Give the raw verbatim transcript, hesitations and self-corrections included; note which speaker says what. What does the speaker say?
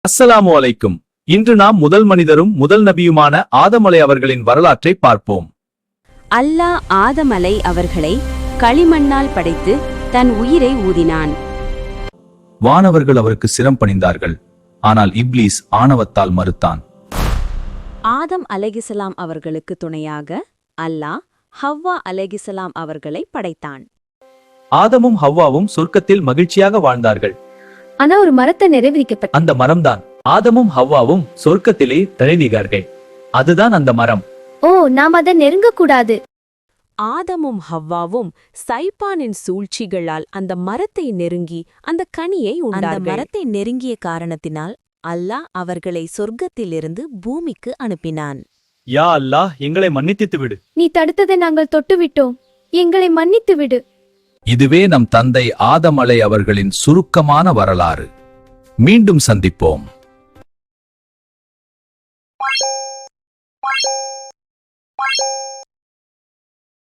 Speaker 1: அஸ்ஸலாமு அலைக்கும். இன்று நாம் முதல் மனிதரும் முதல் நபியுமான ஆதம் அலை அவர்களின் வரலாற்றை பார்ப்போம்.
Speaker 2: அல்லாஹ் ஆதம் அலை அவர்களை களிமண்ணால் படைத்து தன் உயிரை ஊதினான்.
Speaker 1: வானவர்கள் அவருக்கு சிரம் பணிந்தார்கள். ஆனால் இப்லீஸ் ஆணவத்தால் மறுத்தான்.
Speaker 2: ஆதம் அலைஹிஸ்ஸலாம் அவர்களுக்கு துணையாக அல்லாஹ் ஹவ்வா அலைஹிஸ்ஸலாம் அவர்களை படைத்தான்.
Speaker 1: ஆதமும் ஹவ்வாவும் சொர்க்கத்தில் மகிழ்ச்சியாக வாழ்ந்தார்கள்.
Speaker 3: ஆனா ஒரு மரத்தை நிறைவேறிக்கப்பட்ட
Speaker 1: அந்த மரம்தான் ஆதமும் ஹவ்வாவும் சொர்க்கத்திலே தழுவினார்கள். அதுதான் அந்த மரம்.
Speaker 3: ஓ, நாம் அதை நெருங்க கூடாது.
Speaker 2: ஆதமும் ஹவ்வாவும் சைப்பானின் சூழ்ச்சிகளால் அந்த மரத்தை நெருங்கி அந்த கனியை உண்டார்கள். அந்த மரத்தை நெருங்கிய காரணத்தினால் அல்லாஹ் அவர்களை சொர்க்கத்திலிருந்து பூமிக்கு அனுப்பினான்.
Speaker 1: யா அல்லாஹ், எங்களை மன்னித்து விடு.
Speaker 3: நீ தடுத்ததை நாங்கள் தொட்டுவிட்டோம், எங்களை மன்னித்து விடு.
Speaker 1: இதுவே நம் தந்தை ஆதம் அலை அவர்களின் சுருக்கமான வரலாறு. மீண்டும் சந்திப்போம்.